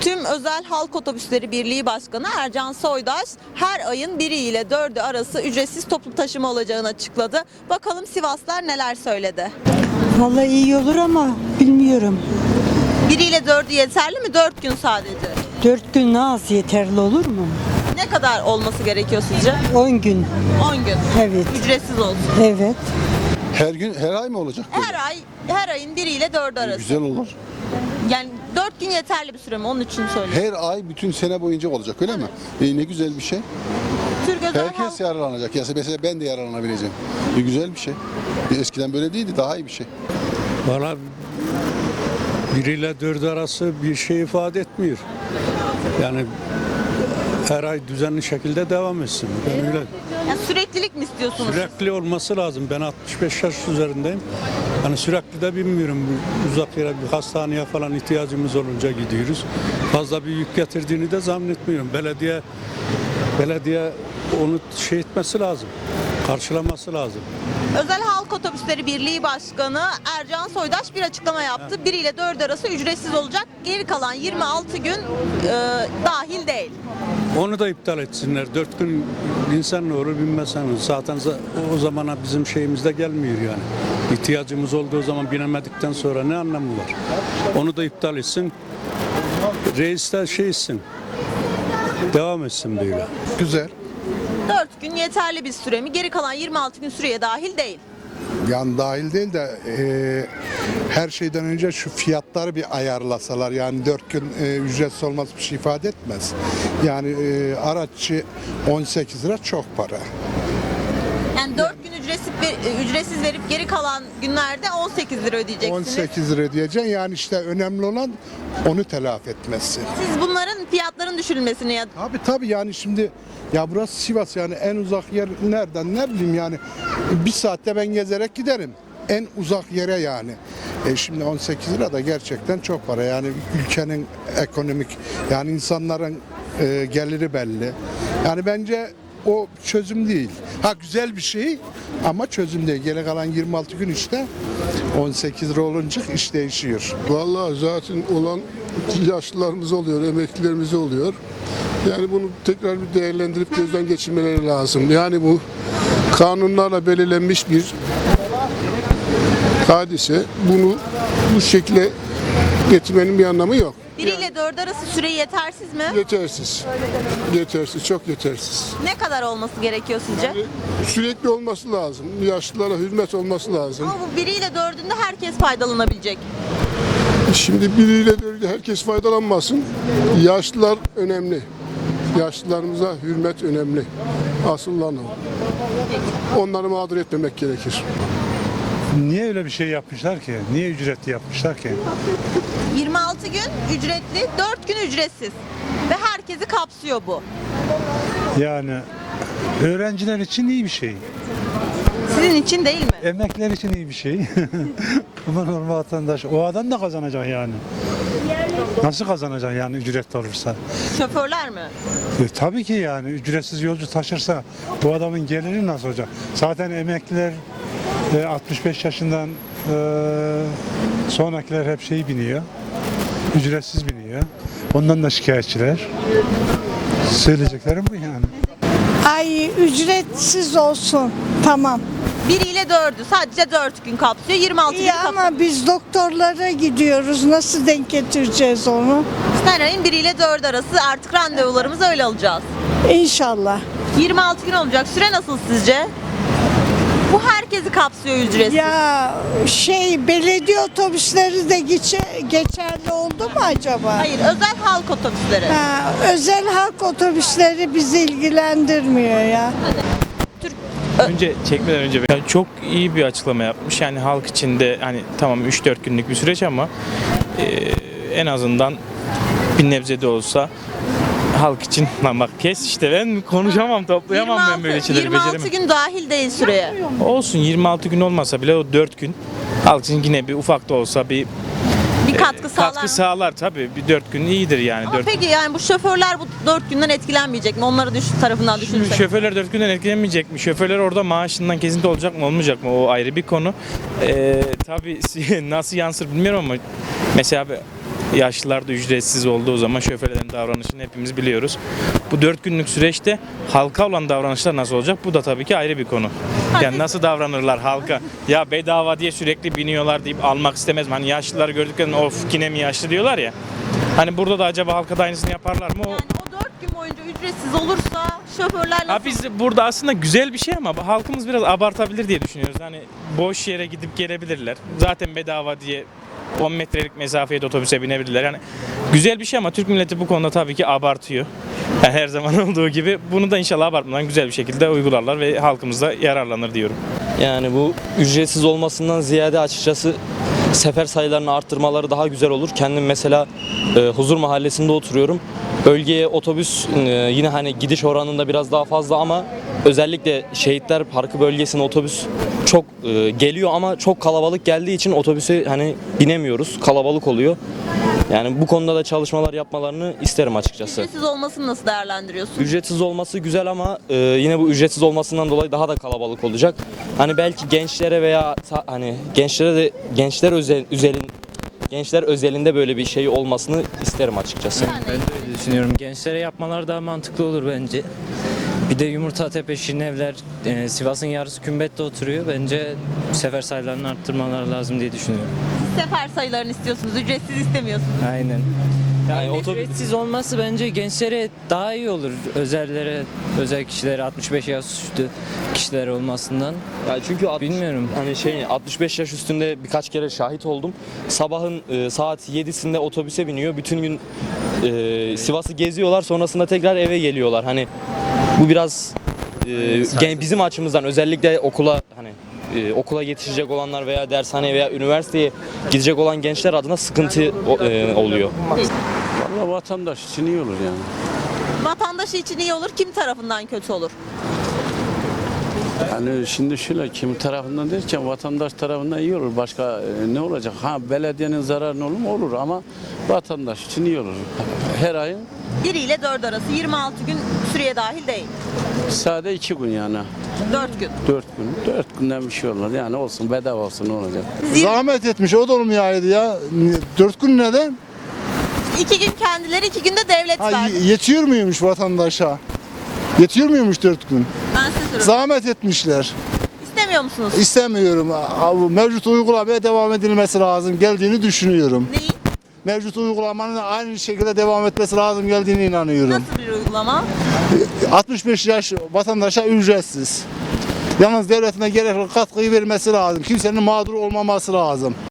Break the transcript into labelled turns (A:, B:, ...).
A: Tüm Özel Halk Otobüsleri Birliği Başkanı Ercan Soydaş her ayın 1'i ile 4'ü arası ücretsiz toplu taşıma olacağını açıkladı. Bakalım Sivaslılar neler söyledi.
B: Vallahi iyi olur ama bilmiyorum.
A: 1 ile 4'ü yeterli mi? 4 gün sadece.
B: 4 gün az yeterli olur mu?
A: Ne kadar olması gerekiyor sizce?
B: 10 gün.
A: 10 gün.
B: Evet.
A: Ücretsiz olsun.
B: Evet.
C: Her gün, her ay mı olacak böyle?
A: Her ayın 1 ile 4'ü arası.
C: Güzel olur.
A: Yani 4 gün yeterli bir süre mi? Onun için söylüyorum.
C: Her ay bütün sene boyunca olacak öyle mi? Ne güzel bir şey.
A: Türk Özel Halk
C: Herkes yararlanacak. Ya mesela ben de yararlanabileceğim. Güzel bir şey. Eskiden böyle değildi. Daha iyi bir şey.
D: Valla 1 ile 4 arası bir şey ifade etmiyor. Yani her ay düzenli şekilde devam etsin. Ben öyle
A: Yani süreklilik mi istiyorsunuz?
D: sürekli olması lazım. Ben 65 yaş üzerindeyim. Hani sürekli de bilmiyorum. Uzak yere bir hastaneye falan ihtiyacımız olunca gidiyoruz. Fazla bir yük getirdiğini de zannetmiyorum. Belediye onu şey etmesi lazım. Karşılaması lazım.
A: Özel Halk Otobüsleri Birliği Başkanı Ercan Soydaş bir açıklama yaptı. 1 ile 4 arası ücretsiz olacak. Geri kalan 26 gün dahil değil.
D: Onu da iptal etsinler. 4 gün insan ne olur bilmez. Zaten o zamana bizim şeyimizde gelmiyor yani. İhtiyacımız olduğu zaman binemedikten sonra ne anlamı var? Onu da iptal etsin. Reis de şey etsin. Devam etsin böyle.
E: Güzel.
A: 4 gün yeterli bir süre mi? Geri kalan 26 gün süreye dahil değil.
E: Yani dahil değil de her şeyden önce şu fiyatları bir ayarlasalar. Yani 4 gün ücretsiz olması bir şey ifade etmez. Yani araççı 18 lira çok para.
A: Yani 4 gün ücretsiz verip geri kalan günlerde 18 lira ödeyeceksiniz.
E: 18 lira ödeyeceksin. Yani işte önemli olan onu telafi etmesi.
A: Siz bunların fiyatların düşürülmesini ya
E: Tabii yani şimdi ya burası Sivas yani en uzak yer nereden ne bileyim yani bir saatte ben gezerek giderim. En uzak yere yani. Şimdi 18 lira da gerçekten çok para. Yani ülkenin ekonomik yani insanların geliri belli. Yani bence o çözüm değil. Ha güzel bir şey ama çözüm değil. Geri kalan 26 gün işte 18 lira olunca iş değişiyor.
F: Vallahi zaten olan yaşlılarımız oluyor, emeklilerimiz oluyor. Yani bunu tekrar bir değerlendirip gözden geçirmeleri lazım. Yani bu kanunlarla belirlenmiş bir hadise. Bunu bu şekilde getirmenin bir anlamı yok.
A: 1 ile 4 arası süre yetersiz mi?
F: Yetersiz. Yetersiz, çok yetersiz.
A: Ne kadar olması gerekiyor sizce?
F: Sürekli olması lazım. Yaşlılara hürmet olması lazım.
A: Ama bu 1 ile 4'ünde herkes faydalanabilecek.
F: Şimdi biriyle böyle herkes faydalanmasın. Yaşlılar önemli. Yaşlılarımıza hürmet önemli. Asıl olan o. Onları mağdur etmemek gerekir.
G: Niye öyle bir şey yapmışlar ki? Niye ücretli yapmışlar ki?
A: 26 gün ücretli, 4 gün ücretsiz. Ve herkesi kapsıyor bu.
G: Yani öğrenciler için iyi bir şey.
A: Sizin için değil mi?
G: Emekliler için iyi bir şey. Ama normal vatandaş o adam da kazanacak yani. Nasıl kazanacak yani ücretli olursa?
A: Şoförler mi?
G: Tabii ki yani ücretsiz yolcu taşırsa bu adamın geliri nasıl olacak? Zaten emekliler 65 yaşından sonrakiler hep şey biniyor. Ücretsiz biniyor. Ondan da şikayetçiler. Söyleyeceklerim bu yani.
H: Ay ücretsiz olsun. Tamam.
A: 1 ile 4'ü sadece 4 gün kapsıyor. 26 gün
H: İyi
A: kapsıyor.
H: ama biz doktorlara gidiyoruz. Nasıl denk getireceğiz onu?
A: Her ayın 1 ile 4 arası artık randevularımızı öyle alacağız.
H: İnşallah.
A: 26 gün olacak. Süre nasıl sizce? Bu herkesi kapsıyor ücretsiz.
H: Ya belediye otobüsleri de geçerli oldu mu acaba?
A: Hayır, özel halk otobüsleri.
H: Ha, özel halk otobüsleri bizi ilgilendirmiyor ya.
I: Önce çekmeden önce yani çok iyi bir açıklama yapmış. Yani halk içinde hani tamam 3-4 günlük bir süreç ama en azından bir nebze de olsa halk için lan bak kes işte ben konuşamam toplayamam ben böyle şeyleri
A: 26
I: beceremem.
A: gün dahil değil süreye.
I: Olsun 26 gün olmasa bile o 4 gün halk için yine bir ufak da olsa bir
A: Katkı sağlar.
I: katkı sağlar tabii. Bir 4 gün iyidir yani.
A: Ama peki yani bu şoförler bu 4 günden etkilenmeyecek mi? Onları tarafından düşünürsek.
I: Şoförler 4 günden etkilenmeyecek mi? Şoförler orada maaşından kesinti olacak mı olmayacak mı? O ayrı bir konu. Tabii nasıl yansır bilmiyorum ama mesela Yaşlılar da ücretsiz olduğu zaman şoförlerin davranışını hepimiz biliyoruz. Bu 4 günlük süreçte halka olan davranışlar nasıl olacak? Bu da tabii ki ayrı bir konu. Yani nasıl davranırlar halka? Ya bedava diye sürekli biniyorlar deyip almak istemez mi? Hani yaşlıları gördüklerinde of yine mi yaşlı diyorlar ya. Hani burada da acaba halka da aynısını yaparlar mı?
A: Yani o 4 gün boyunca ücretsiz olursa şoförler
I: Ha
A: nasıl?
I: biz burada aslında güzel bir şey ama halkımız biraz abartabilir diye düşünüyoruz. Hani boş yere gidip gelebilirler. Zaten bedava diye 10 metrelik mesafeye de otobüse binebilirler. Yani güzel bir şey ama Türk milleti bu konuda tabii ki abartıyor. Yani her zaman olduğu gibi bunu da inşallah abartmadan güzel bir şekilde uygularlar ve halkımız da yararlanır diyorum.
J: Yani bu ücretsiz olmasından ziyade açıkçası sefer sayılarını arttırmaları daha güzel olur. Kendim mesela Huzur Mahallesi'nde oturuyorum. Bölgeye otobüs yine hani gidiş oranında biraz daha fazla ama özellikle Şehitler Parkı bölgesine otobüs çok geliyor ama çok kalabalık geldiği için otobüse hani binemiyoruz. Kalabalık oluyor. Yani bu konuda da çalışmalar yapmalarını isterim açıkçası.
A: Ücretsiz olmasını nasıl değerlendiriyorsun?
J: Ücretsiz olması güzel ama yine bu ücretsiz olmasından dolayı daha da kalabalık olacak. Hani belki gençlere veya hani gençlere de gençler özelinde böyle bir şey olmasını isterim açıkçası.
K: Ben de öyle düşünüyorum. Gençlere yapmalar daha mantıklı olur bence. Bir de Yumurtatepe, Şirinevler, Sivas'ın yarısı Kümbet'te oturuyor. Bence sefer sayılarını arttırmaları lazım diye düşünüyorum.
A: Sefer sayılarını istiyorsunuz, ücretsiz istemiyorsunuz.
K: Aynen.
J: Yani
K: Yani
J: otobüs-
K: ücretsiz olması bence gençlere daha iyi olur. Özel kişilere, 65 yaş üstü kişiler olmasından.
J: Yani çünkü
K: Bilmiyorum.
J: hani 65 yaş üstünde birkaç kere şahit oldum. Sabahın saat 7'sinde otobüse biniyor. Bütün gün Sivas'ı geziyorlar. Sonrasında tekrar eve geliyorlar. Hani bu biraz bizim açımızdan özellikle okula yetişecek olanlar veya dershaneye veya üniversiteye gidecek olan gençler adına sıkıntı oluyor.
L: Vallahi vatandaş için iyi olur yani.
A: Vatandaşı için iyi olur, kim tarafından kötü olur?
L: Yani şimdi şöyle kim tarafından derken vatandaş tarafından iyi olur. Başka ne olacak? Ha belediyenin zararı olur mu? Olur ama vatandaş için iyi olur. Her ayın
A: 1 ile 4 arası 26 gün süreye dahil değil.
L: sade 2 gün yani.
A: 4 gün.
L: 4 gün. 4 günden bir şey olur. Yani olsun bedava olsun ne olacak?
E: Zahmet etmiş o da olmayaydı ya. 4 gün neden?
A: 2 gün kendileri, 2 günde devlet verdi.
E: Yetiyor muymuş vatandaşa? Yetiyor muymuş 4 gün?
A: Ben size soruyorum.
E: Zahmet etmişler.
A: İstemiyor musunuz?
E: İstemiyorum. Mevcut uygulamaya devam edilmesi lazım geldiğini düşünüyorum.
A: Neyi?
E: Mevcut uygulamanın aynı şekilde devam etmesi lazım geldiğine inanıyorum.
A: Nasıl bir uygulama?
E: 65 yaş vatandaşa ücretsiz. Yalnız devletine gerekli katkıyı vermesi lazım. Kimsenin mağdur olmaması lazım.